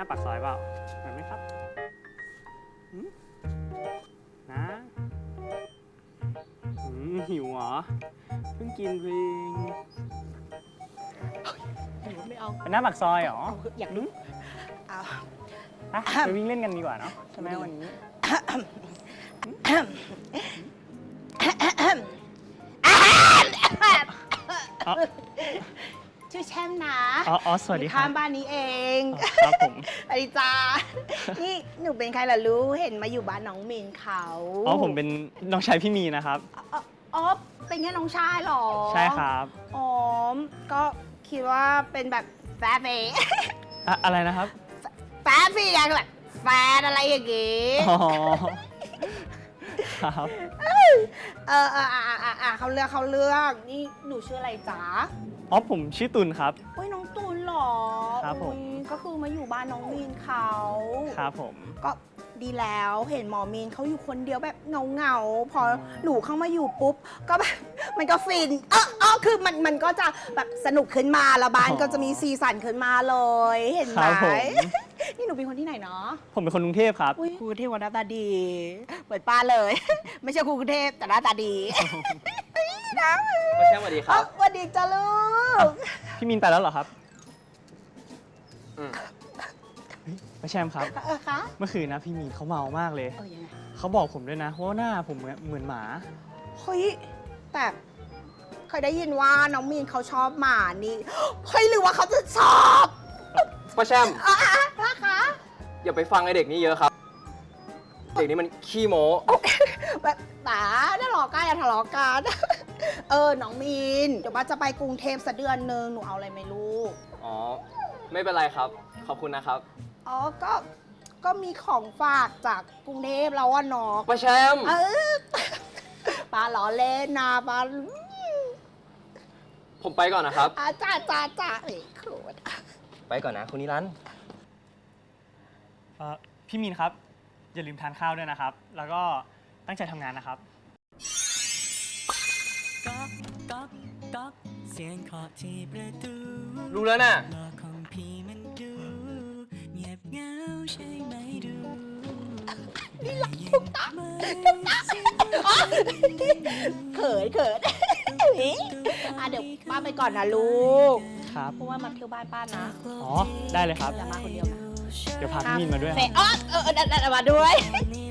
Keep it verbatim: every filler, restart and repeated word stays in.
าปากซอยเปล่าเห็นไหมครับหืมนะหืมหิวเหรอเพิ่งกินเองไม่เอาเป็นหน้าปากซอยเหรอเอาอยากรู้เอาไปไปวิ่งเล่นกันดีกว่าเนาะใช่ไหมวันนี้ อ๋อชื่อแช่มนะอ๋ออ๋อสวัสดีอยู่ครัข้าบงบ้านนี้เองอ๋อครับผมสวัสดีจ้านี่หนูเป็นใครล่ะรู้เห็นมาอยู่บ้านน้องมีนเขาอ๋อผมเป็นน้องชายพี่มีนะครับอ๋ออ๋อเป็นแค่น้องชายเหรอใช่ครับอ๋อก็คิดว่าเป็นแบบแฟนเองอะอะไรนะครับแฟนพี่ยังแบบแฟนอะไรอย่างงี้อ๋อครับเออเอออ่ะอ่ะอ่ะอ่ะเขาเลือกเขาเลือกนี่หนูชื่ออะไรจ๊ะอ๋อผมชื่อตุลครับโอ้ยน้องตูนเหรอครับผมอุ๊ยก็คือมาอยู่บ้านน้องมีนเขาครับผมก็ดีแล้วเห็นหมอมีนเขาอยู่คนเดียวแบบเงาเงาๆพออมหนูเข้ามาอยู่ปุ๊บ ก็แบบ มันก็ฟินเออเออคือมันมันก็จะแบบสนุกขึ้นมาแล้วบ้านก็จะมีซีสันขึ้นมาเลย เห็นไหคมรับผมนี่หนูเป็นคนที่ไหนเนาะผมเป็นคนกรุงเทพครับอุ้ยครูกรุงเทพวันหน้าตาดีเหมือนป้าเลย ไม่ใช่ครูกรุงเทพแต่หน้าตาดีนะก็แช่สวัสดีครับสวัสดีจ้าลูกพี่มีนไปแล้วเหรอครับอืมเฮ้ยป้าแชมป์ครับเออคะเมื่อคืนนะพี่มีนเขาเมามากเลยเออยังไงเขาบอกผมด้วยนะว่าหน้าผมเหมือนเหมือนหมาเฮ้ยแต่เคยได้ยินว่าน้องมีนเขาชอบหมานี่เฮ้ยหรือว่าเขาจะชอบป้าแชมป์อ่ะอ่ะนะคะอย่าไปฟังไอเด็กนี้เยอะครับ เด็กนี้มันขี้โม้แบบตาได้หลอกกันอย่าทะเลาะกัน เออน้องมีนเดี๋ยวว่าจะไปกรุงเทพสักเดือนนึงหนูเอาอะไรไหมลูกอ๋อ ไม่เป็นไรครับ ขอบคุณนะครับอ๋อก็ก็มีของฝากจากกรุงเทพแล้วอะเนาะป้าแชมป์เออปลาล้อเล่นนะปลาผมไปก่อนนะครับอาจ้าจ้าจ้าเอ้ยโคตรไปก่อนนะคุณนิรันดร์เอ่อพี่มีนครับ อย่าลืมทานข้าวด้วยนะครับ แล้วก็ตั้งใจทำงานนะครับก๊อกก๊อกก๊อกเสียงเคาะที่ประตูรู้แล้วน่ะโลกของพี่มันดูเงียบเหงาใช่ไหมดูนี่หลับทุกตาเขินเขินอ่ะเดี๋ยวป้าไปก่อนนะลูกครับเพราะว่ามาเที่ยวบ้านป้านะอ๋อ ได้เลยครับอย่ามาคนเดียวนะเดี๋ยวพาพี่มีนมาด้วยเฟครับอ๋อเออเออเออเออมาด้วยนี่